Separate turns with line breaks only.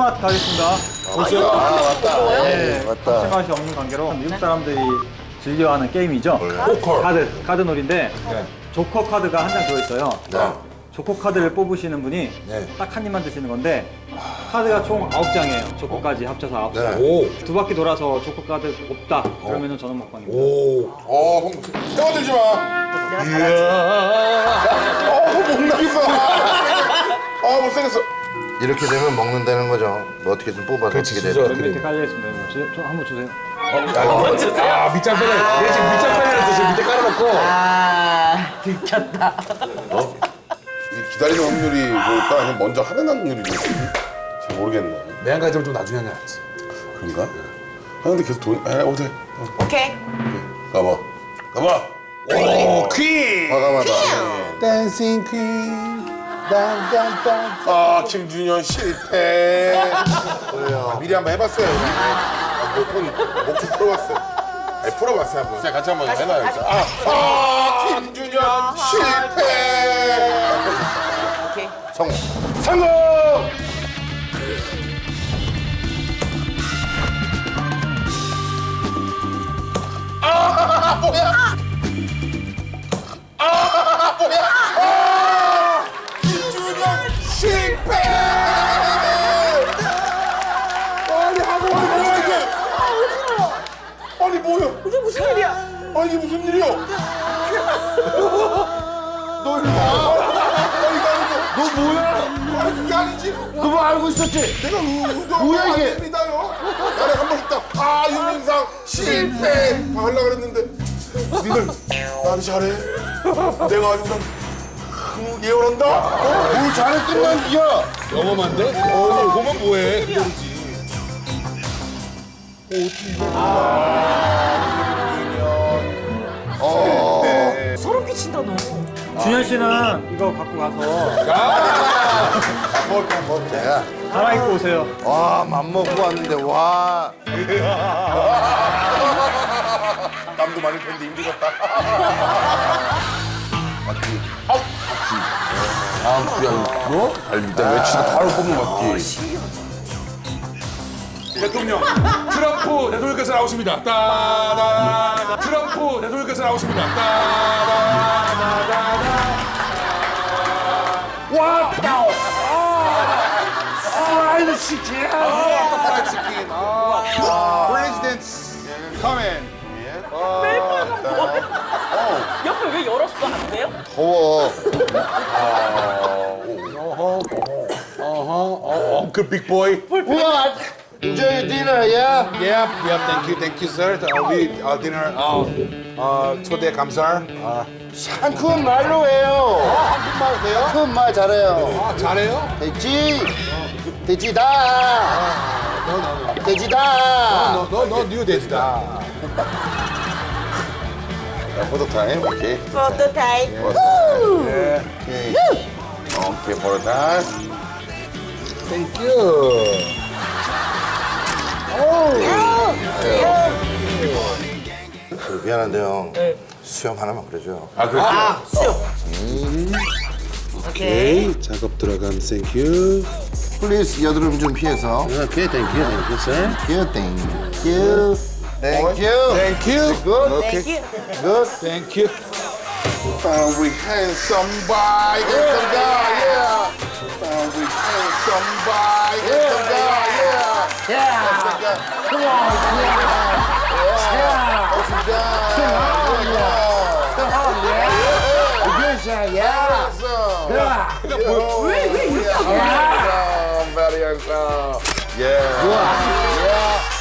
감칠맛 가겠습니다.
맞다.
네,
맞다.
감칠맛이 없는 관계로 미국 사람들이 즐겨하는 게임이죠. 카드 놀이인데 조커 카드가 한 장 들어있어요. 조커 카드를 뽑으시는 분이 딱 한 입만 드시는 건데 카드가 총 9장이에요. 조커까지 합쳐서 9장. 두 바퀴 돌아서 조커 카드 없다. 그러면은 저는 먹방입니다.
세워들지 마.
내가 잘하지.
못 나겠어. 못생겼어.
이렇게 되면 먹는다는 거죠. 뭐 어떻게 좀 뽑아서 어떻게
맨
되는
밑에 깔려있습니다. 저 한번 주세요.
밑장 빼내. 얘 지금 밑장 빼내놨어. 지금 밑에 깔아놓고.
들켰다.
이 기다리는 확률이 좋을까? 아니면 먼저 하는 확률이 좋을지? 잘 모르겠네.
매한 가지면 좀 나중에 하는 게 낫지.
그런가? 근데 계속 돈, 어때?
오케이.
가봐. 가봐.
오, 퀸!
과감하다.
댄싱 퀸. 딴딴딴.
아, 김준현 실패. 미리 한번 해봤어요. 목좀 풀어봤어요. 아니, 풀어봤어요, 한번. 같이 한번 해놔야겠다. 김준현 실패.
오케이.
성공.
성공! 김준현 실패! 아니, 하고 와, 뭐야, 이게? 아니, 뭐야?
이게 무슨 일이야?
아니, 이게 무슨 일이야? 너 일로 와. 아니, 이거 아니고. 너 뭐야? 아니, 그게 아니지.
너 뭐 알고 있었지?
내가
뭐야, 이게?
안 됩니다요. 나는 한번 있다. 윤민상 실패. 다 하려고 그랬는데. 니들 나를 잘해. 내가 아주 그냥 예언한다.
뭘 잘했더만 니야.
영험한데? 보면 뭐해? 그대로지.
소름 끼친다 너.
준현 씨는 이거 갖고 가서
내가
갈아입고 오세요.
와 맘먹고 왔는데 와.
땀도 많을 텐데 힘들었다.
다음 주야 뭐? 갈비다 외치고 바로 뽑는 맞지.
대통령 트럼프 대통령께서 나오십니다. 따다 트럼프 대통령께서 나오십니다. 따다다다다.
왔다. 프라이드 치킨.
프라이드 치킨.
프레지던트 커밍.
옆에 왜 열었어? 안 돼요?
더워.
그 빅보이.
What? Enjoy your dinner, yeah?
Thank you, sir. We dinner. 초대 감사.
한큰 말로 해요. 한큰 말 돼요? 한큰 말 잘해요.
잘해요?
돼지. 돼지다. 돼지다.
너 뉴 돼지다.
포토 타임. 오케이.
포토 타임.
오케이. 오케이, 포토 타임.
Thank you.
미안한데요. 수염 하나만 그려줘요.
수영. 오케이.
작업 들어감. Thank you.
Please 여드름 좀 피해서.
Okay, thank you, sir.
Thank you. Thank you.
Thank you.
Good.
땡큐.
Good.
Thank you.
We handsome boy, handsome guy, yeah. We handsome boy, handsome guy, yeah. Handsome guy. Come on, yeah. Handsome guy, yeah. Handsome.
왜 이렇게
Handsome, very handsome. Yeah. Yeah.